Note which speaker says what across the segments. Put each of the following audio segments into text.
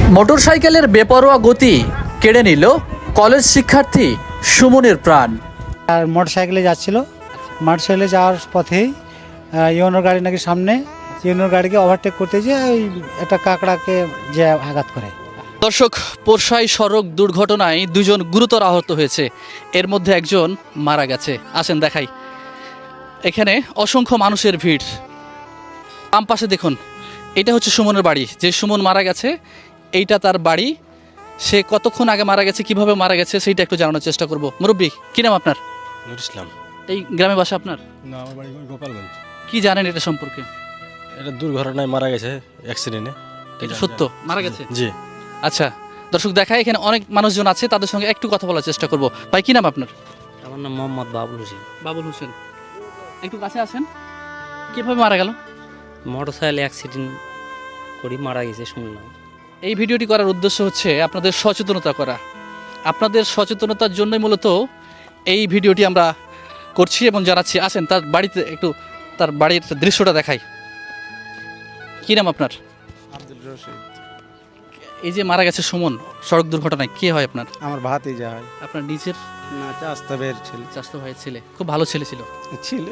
Speaker 1: মোটরসাইকেলের বেপরোয়া গতি কেড়ে নিল কলেজ শিক্ষার্থী সুমনের প্রাণ।
Speaker 2: আর মোটরসাইকেলে যাচ্ছিল, মোটরসাইকেলে যাওয়ার পথেই ইউনোর গাড়ি নাকি সামনে, ইউনোর গাড়িকে ওভারটেক করতে গিয়ে ওই একটা কাঁকড়াকে যে আঘাত করে।
Speaker 1: দর্শক, পোরশাই সড়ক দুর্ঘটনায় দুজন গুরুতর আহত হয়েছে, এর মধ্যে একজন মারা গেছে। আসেন দেখাই, এখানে অসংখ্য মানুষের ভিড়। বাম পাশে দেখুন, এটা হচ্ছে সুমনের বাড়ি। যে সুমন মারা গেছে এইটা তার বাড়ি। সে কতক্ষণ আগে মারা গেছে, কিভাবে মারা গেছে সেইটা একটু জানানোর চেষ্টা করব। মুরব্বী, কি নাম আপনার?
Speaker 3: নুর ইসলাম।
Speaker 1: এই গ্রামে বাসা আপনার?
Speaker 3: না, আমার বাড়ি গোপালগঞ্জ।
Speaker 1: কি জানেন এটা সম্পর্কে?
Speaker 3: এটা দুর্ঘটনায় মারা গেছে, অ্যাক্সিডেন্টে।
Speaker 1: এটা সত্য মারা গেছে?
Speaker 3: জি।
Speaker 1: আচ্ছা দর্শক, দেখায় এখানে অনেক মানুষজন আছে, তাদের সঙ্গে একটু কথা বলার চেষ্টা করব। ভাই, কি নাম আপনার?
Speaker 4: আমার নাম মোহাম্মদ বাবুল হোসেন।
Speaker 1: বাবুল হোসেন, একটু কাছে আসেন। কিভাবে মারা গেল?
Speaker 4: মোটরসাইকেল অ্যাক্সিডেন্ট করি মারা গেছে শুনলাম।
Speaker 1: এই ভিডিওটি করার উদ্দেশ্য হচ্ছে আপনাদের সচেতনতা করা। আপনাদের সচেতনতার জন্যই মূলত এই ভিডিওটি আমরা করছি এবং জানাচ্ছি। আসেন তার বাড়িতে একটু, তার বাড়ির দৃশ্যটা দেখাই। কি নাম আপনার?
Speaker 5: আব্দুল রশিদ।
Speaker 1: এই যে মারা গেছে সুমন সড়ক দুর্ঘটনায়, কে হয় আপনার?
Speaker 5: আমার ভাতি যা হয়
Speaker 1: আপনার নিজের
Speaker 5: না, চাস্তা বের ছিল
Speaker 1: চাচাতো ভাইয়ের ছেলে। খুব ভালো ছেলে ছিল।
Speaker 5: ছিল।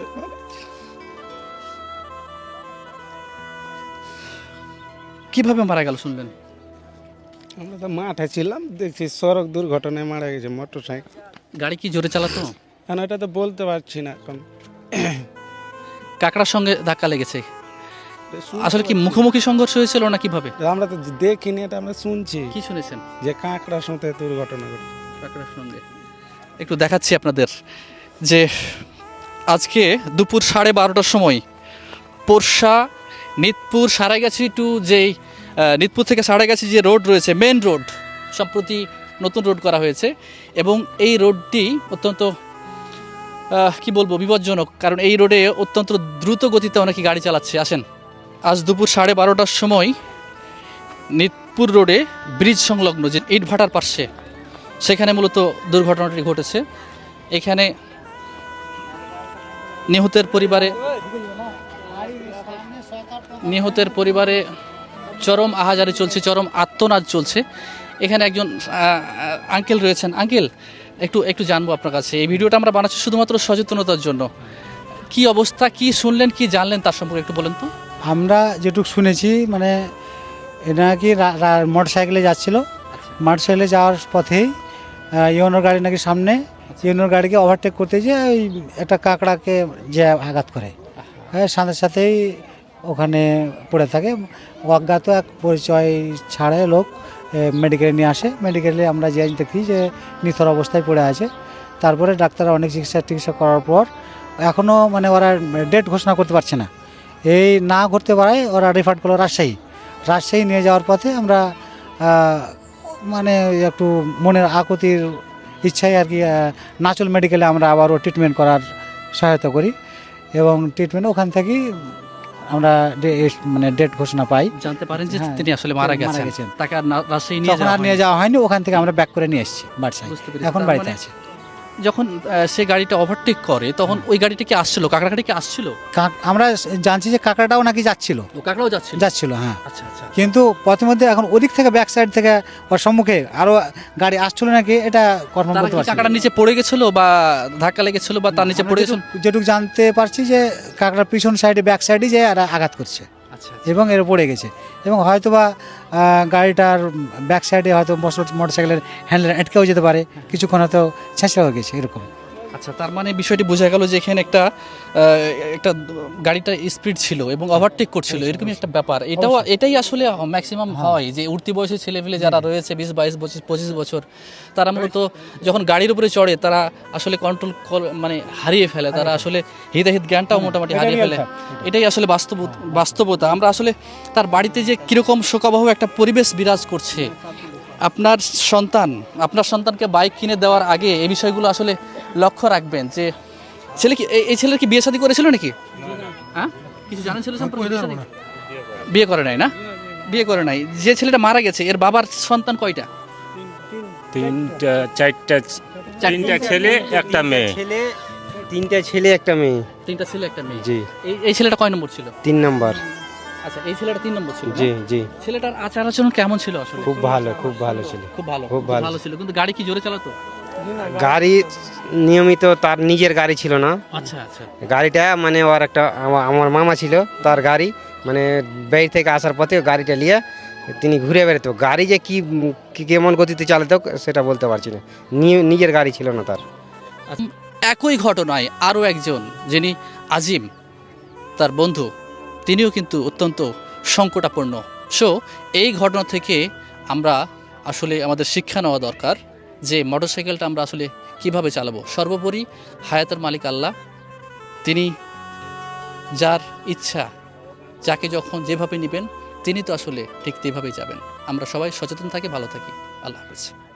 Speaker 1: কিভাবে মারা গেল শুনলেন?
Speaker 5: আমরা তো মাঠে ছিলাম, দেখছি সড়ক দুর্ঘটনায় মারা গেছে মোটর সাইকেল।
Speaker 1: গাড়ি কি জোরে চালাতো?
Speaker 5: এখন এটা তো বলতে পারছি না এখন।
Speaker 1: কাকড়ার সঙ্গে ধাক্কা লেগেছে। আসলে কি মুখোমুখি সংঘর্ষ হয়েছিল না কিভাবে?
Speaker 5: আমরা তো দেখিনি, এটা আমরা শুনছি
Speaker 1: কি শুনেছেন?
Speaker 5: যে কাঁকড়ার সাথে দুর্ঘটনা ঘটে।
Speaker 1: কাকড়ার সঙ্গে একটু দেখাচ্ছি আপনাদের যে আজকে দুপুর 12:30টার সময় পোরশা নিতপুর সারাইগাছি টু যেই নিতপুর থেকে সারাইগাছি যে রোড রয়েছে, মেন রোড, সম্প্রতি নতুন রোড করা হয়েছে এবং এই রোডটি অত্যন্ত কি বলবো বিপজ্জনক, কারণ এই রোডে অত্যন্ত দ্রুত গতিতে অনেকে গাড়ি চালাচ্ছে। আসেন, আজ দুপুর 12:30টার সময় নিতপুর রোডে ব্রিজ সংলগ্ন যে ইটভাটার পাশে, সেখানে মূলত দুর্ঘটনাটি ঘটেছে। এখানে নিহতের পরিবারে চরম আহাজারি চলছে, চরম আত্মনাদ চলছে। এখানে একজন আঙ্কেল রয়েছেন। আঙ্কেল, একটু জানবো আপনার কাছে। এই ভিডিওটা আমরা বানাচ্ছি শুধুমাত্র সচেতনতার জন্য। কি অবস্থা, কি শুনলেন, কি জানলেন তার সম্পর্কে একটু বলেন তো।
Speaker 2: আমরা যেটুকু শুনেছি মানে এটা নাকি মোটরসাইকেলে যাচ্ছিল, মোটরসাইকেলে যাওয়ার পথেই ইউনোর গাড়ি নাকি সামনে, ইউনোর গাড়িকে ওভারটেক করতে গিয়ে ওই একটা কাঁকড়াকে যে আঘাত করে, হ্যাঁ, সাথে সাথেই ওখানে পড়ে থাকে। অজ্ঞাত এক পরিচয় ছাড়ে লোক মেডিকেলে নিয়ে আসে। মেডিকেলে আমরা যে দেখি যে নিথর অবস্থায় পড়ে আছে। তারপরে ডাক্তাররা অনেক চিকিৎসা করার পর এখনও মানে ওরা ডেট ঘোষণা করতে পারছে না। এই না করতে পারায় ওরা রেফার করলো রাজশাহী নিয়ে যাওয়ার পথে আমরা মানে একটু মনের আকুতির ইচ্ছায় আর কি নাচল মেডিকেলে আমরা আবারও ট্রিটমেন্ট করার সহায়তা করি এবং ট্রিটমেন্ট ওখান থেকেই আমরা মানে ডেট ঘোষণা পাই।
Speaker 1: জানতে পারেন যে
Speaker 2: হ্যাঁ,
Speaker 1: তিনি আসলে মারা গেছেন। তাকে আর রাজশাহী নিয়ে
Speaker 2: যাওয়া হয়নি, ওখান থেকে আমরা ব্যাক করে নিয়ে এসেছি বাড়ি।
Speaker 1: বুঝতে পেরেছি।
Speaker 2: এখন
Speaker 1: তার
Speaker 2: বাড়িতে
Speaker 1: মানে
Speaker 2: আছে।
Speaker 1: যখন সে গাড়িটা ওভারটেক করে তখন ওই গাড়িটা কি আসছিল, কাঁকড়া গাড়ি কি আসছিল?
Speaker 2: আমরা জানছি যে কাঁকড়াটাও নাকি যাচ্ছিল,
Speaker 1: ও কাঁকড়াও যাচ্ছিল।
Speaker 2: হ্যাঁ।
Speaker 1: আচ্ছা আচ্ছা।
Speaker 2: কিন্তু প্রথমে এখন ওদিক থেকে ব্যাক সাইড থেকে ওর সম্মুখে আরো গাড়ি আসছিল নাকি এটা কনফার্ম
Speaker 1: তারা
Speaker 2: করতে
Speaker 1: কি
Speaker 2: পারছি না।
Speaker 1: কাঁকড়ার নিচে পড়ে গেছিল বা ধাক্কা লেগেছিল বা তার নিচে পড়ে গেছিল?
Speaker 2: যেটুকু জানতে পারছি যে কাঁকড়ার পিছন সাইডে ব্যাক সাইডে যে আঘাত করছে
Speaker 1: আচ্ছা।
Speaker 2: এবং এর পড়ে গেছে এবং হয়তোবা গাড়িটার ব্যাক সাইডে হয়তো মোটরসাইকেলের হ্যান্ডেল আটকেও যেতে পারে, কিছুক্ষণ হয়তো ছেঁচড়া হয়ে গেছে এরকম।
Speaker 1: আচ্ছা, তার মানে বিষয়টি বোঝা গেল যে এখানে একটা গাড়িটা স্পিড ছিল এবং ওভারটেক করছিল, এরকমই একটা ব্যাপার। এটাই আসলে ম্যাক্সিমাম হয় যে উঠতি বয়সী ছেলেপেলে যারা রয়েছে 20, 22, 25 বছর, তারা মূলত যখন গাড়ির উপরে চড়ে তারা আসলে কন্ট্রোল মানে হারিয়ে ফেলে, তারা আসলে হিতাহিত জ্ঞানটাও মোটামুটি হারিয়ে ফেলে। এটাই আসলে বাস্তবতা। আমরা আসলে তার বাড়িতে যে কীরকম শোকাবহ একটা পরিবেশ বিরাজ করছে। আপনার সন্তানকে বাইক কিনে দেওয়ার আগে এই বিষয়গুলো আসলে লক্ষ্য রাখবেন যে এই ছেলের কি বিয়ে শাদী করেছিল নাকি? হ্যাঁ, কিছু জানেন ছেলে সম্পর্কে? বিয়ে করে নাই না? বিয়ে করে নাই। যে ছেলেটা মারা গেছে এর বাবার সন্তান কয়টা?
Speaker 3: তিনটা ছেলে একটা মেয়ে।
Speaker 4: তিনটা ছেলে একটা মেয়ে।
Speaker 1: তিনটা ছেলে একটা মেয়ে।
Speaker 4: জি।
Speaker 1: এই ছেলেটা কয় নম্বর ছিল?
Speaker 4: 3 নাম্বার।
Speaker 1: আচ্ছা, এই ছেলেটা 3 নম্বর ছিল না?
Speaker 6: জি জি
Speaker 1: ছেলেটার আচার আচরণ কেমন ছিল আসলে?
Speaker 6: খুব ভালো খুব ভালো ছিল।
Speaker 1: খুব ভালো,
Speaker 6: খুব ভালো।
Speaker 1: ভালো ছিল, কিন্তু গাড়ি কি জোরে চালাতো?
Speaker 6: গাড়ি নিয়মিত তার নিজের গাড়ি ছিল না,
Speaker 1: আচ্ছা আচ্ছা।
Speaker 6: গাড়িটা মানে ওর একটা আমার মামা ছিল, তার গাড়ি মানে বাইরে থেকে আসার পথে গাড়িটা নিয়ে তিনি ঘুরে বেড়াতো। গাড়ি যে কেমন গতিতে চালাতো সেটা বলতে পারছি না, নিজের গাড়ি ছিল না তার।
Speaker 1: আচ্ছা, একই ঘটনায় আরও একজন যিনি আজিম, তার বন্ধু, তিনিও কিন্তু অত্যন্ত সংকটাপন্ন। সো এই ঘটনা থেকে আমরা আসলে আমাদের শিক্ষা নেওয়া দরকার যে মোটরসাইকেলটা আমরা আসলে কিভাবে চালাবো। সর্বোপরি হায়াতের মালিক আল্লাহ, তিনি যার ইচ্ছা যাকে যখন যেভাবে নেবেন তিনি তো আসলে ঠিক তেভাবেই যাবেন। আমরা সবাই সচেতন থাকি, ভালো থাকি। আল্লাহ হাফেজ।